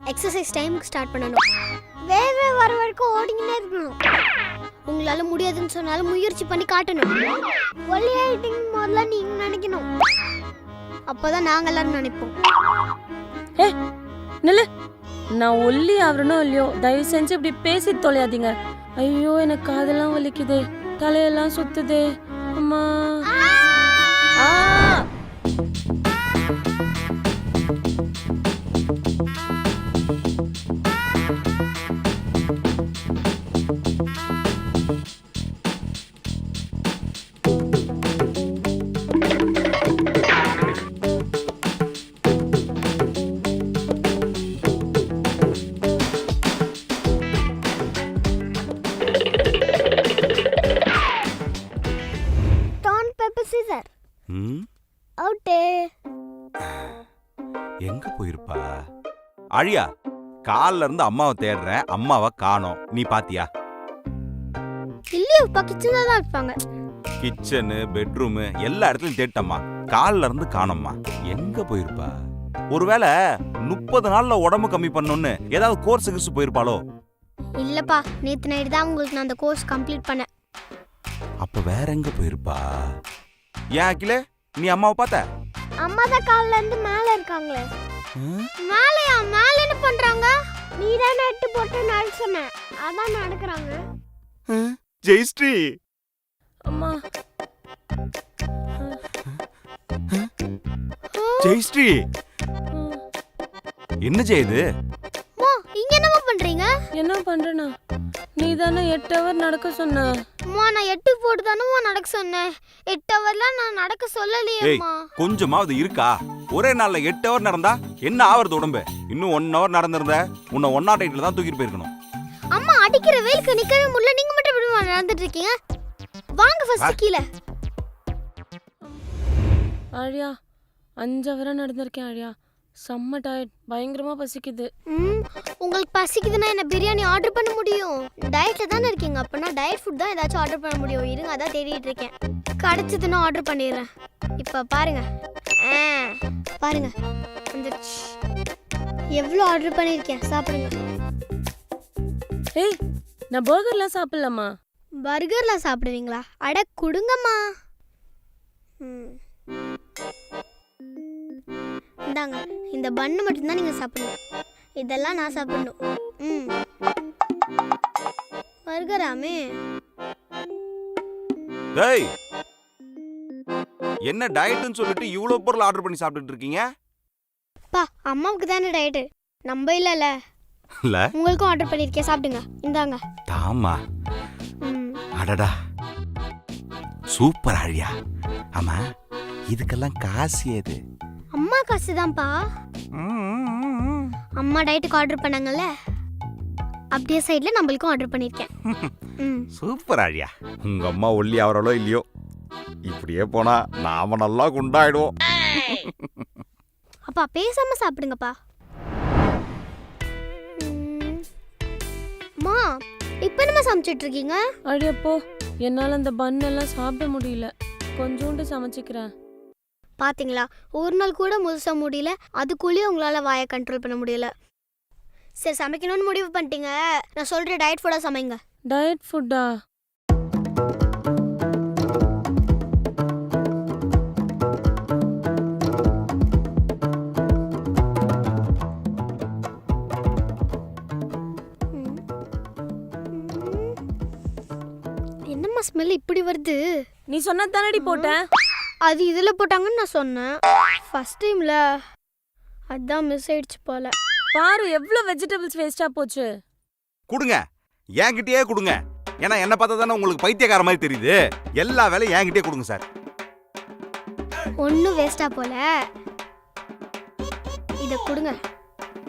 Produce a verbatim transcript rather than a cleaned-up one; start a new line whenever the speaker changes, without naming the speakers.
Exercise டைமுக்கு start பண்ணணும். வேர்வை வர வரைக்கும் ஓடிக்கிட்டே இருக்கணும். உங்களால முடியாதுன்னு சொன்னாலும் முயற்சி பண்ணி காட்டணும். ஒல்லி ஆயிட்டிங் முதல்ல நீங்க நினைக்கணும். அப்போதான் நாங்க எல்லாரும் நினைப்போம்.
ஏ நில்லு, நான் ஒல்லி ஆவறனோ இல்லையோ தயவு செஞ்சு இப்படி பேசி தொலையாதீங்க. ஐயோ எனக்கு காதெல்லாம் வலிக்குதே, தலையெல்லாம் சுத்துதே அம்மா. ஆ
எங்க போயிருப்பா? அழியா, கால்ல இருந்து அம்மாவை தேடுறேன், அம்மாவை காணோம். நீ பாத்தியா?
இல்லையப்பா, கிச்சன்ல தான் இருப்பாங்க.
கிச்சனு, பெட்ரூம் எல்லா இடத்துலயும் தேட்டம்மா, கால்ல இருந்து காணோம்மா. எங்க போயிருப்பா? ஒருவேளை முப்பது நாள்ல உடம்பு கம்மி பண்ணணும்னு ஏதாவது கோர்ஸ் கிர்ஸ் போயிருப்பாளோ?
இல்லப்பா, நேத்து நைட் தான் உங்களுக்கு நான் அந்த கோர்ஸ் கம்ப்ளீட் பண்ணேன்.
அப்ப வேற எங்க போயிருப்பா? ஏன் அகிலே, நீ அம்மாவை பார்த்த?
அம்மா தான் கால்ல இருந்து மேல இருக்காங்களே. மேலயா? மேல என்ன பண்றாங்க? நீ தான் நெட் போட்டு நடக்க சொன்ன, அதான் நடக்கறாங்க.
ஜெயஸ்ரீ
அம்மா.
ஜெயஸ்ரீ என்ன செய்யுது?
அம்மா, இங்க என்னமா பண்றீங்க?
என்ன பண்றேனா? நீ தானே எட்டு ஹவர் நடக்க சொன்ன.
அம்மா, நான் எட்டு போட்டு தானே நடக்க சொன்னேன். எட்டு ஹவர்ல நான் நடக்க சொல்லலையேம்மா.
கொஞ்சமாவது இருக்கா? ஒரே நாள்ல எட்டு ஹவர் நடந்தா என்ன ஆவறது உடம்பு? இன்னும் ஒன் ஹவர் நடந்திருந்த உன்னை ஒன் நாட் எயிட்ல தான் தூக்கிட்டு போயிருக்கணும்.
அம்மா, அடிக்கிற வெயிலுக்கு நிக்கவே முடியல. நீங்க மட்டும் எப்படி நடந்துட்டு இருக்கீங்க? வாங்க ஃபர்ஸ்ட் கீழ.
ஆழியா, அஞ்சு ஹவரா நடந்திருக்கேன் ஆழியா. செம்ம டயர்ட், பயங்கரமா பசிக்குது.
ம், உங்களுக்கு பசிக்குதுன்னா என்ன பிரியாணி ஆர்டர் பண்ண முடியும்? டயட்ல தானே இருக்கீங்க, அப்பனா டயட் ஃபுட் தான் ஏதாச்சும் ஆர்டர் பண்ண முடியும். இருங்க, அதான் தேடிட்டு இருக்கேன். கிடைச்சதுன்னா ஆர்டர் பண்ணிடுறேன். இப்ப பாருங்க, பாருங்க வந்துருச்சு. எவ்வளோ ஆர்டர் பண்ணிருக்கேன், சாப்பிடுங்க.
ஏய், நான் பர்கர்லாம் சாப்பிடலாமா?
பர்கர்லாம் சாப்பிடுவீங்களா? அட குடுங்கம்மா. ம், இந்தாங்க, இந்த பன்னு மட்டும்தான் நீங்க சாப்பிடணும். இதெல்லாம் நான் சாப்பிடணும். ம், பர்கராமே.
டேய், என்ன டயட்னு சொல்லிட்டு இவ்வளவு பொருள் ஆர்டர் பண்ணி சாப்பிட்டுட்டு இருக்கீங்க?
பா, அம்மாவுக்கு தானே டயட், நம்ம இல்லல.
இல்ல,
உங்களுக்கும் ஆர்டர் பண்ணிருக்கேன், சாப்பிடுங்க. இந்தாங்க.
தாமா.
ம்,
அடடா, சூப்பர் ஆழியா. ஆமா, இதுக்கெல்லாம் காசு ஏது?
அம்மா காசு தான்ப்பா. அம்மா டயட்டுக்கு ஆர்டர் பண்ணாங்கல்ல, அப்படியே சைடுல நம்மளுக்கும் ஆர்டர் பண்ணிருக்கேன். ம்,
சூப்பர் ஆழியா. உங்க அம்மா ஒல்லி ஆவறாளோ இல்லையோ, இப்படியே போனா நாம நல்லா குண்டாயிடுவோம்.
அப்பா பேசாம சாப்பிடுங்கப்பா. அம்மா, இப்போ என்ன சமைச்சிட்டு இருக்கீங்க?
அடியப்போ, என்னால அந்த பன் எல்லாம் சாப்பிட முடியல. கொஞ்சோண்டு சமைச்சிக்கிறேன்.
பாத்தீங்களா, ஒரு நாள் கூட முழுசா முடியல, அதுக்குள்ளேயே உங்களால வாயை கண்ட்ரோல் பண்ண முடியல. சரி, சமைக்கணும்னு முடிவு பண்ணிட்டீங்க, நான் சொல்ற டயட் ஃபுட்டா சமைங்க.
டயட் ஃபுட்டா?
என்னம்மா ஸ்மெல் இப்படி வருது?
நீ சொன்ன தானடி போட்டேன்.
அது இதுல போட்டாங்கன்னு நான் சொன்னேன். ஃபர்ஸ்ட் டைம்ல அதான் மிஸ் ஆயிடுச்சு போல.
பாரு, எவ்வளவு வெஜிடபிள்ஸ் வேஸ்டா போச்சு.
கொடுங்க, என்கிட்டயே கொடுங்க. ஏன்னா என்ன பார்த்தா தானே உங்களுக்கு பைத்தியக்கார மாதிரி தெரியுது. எல்லா வேலையும் என்கிட்டயே கொடுங்க சார்.
ஒன்னும் வேஸ்டா போல, இத கொடுங்க.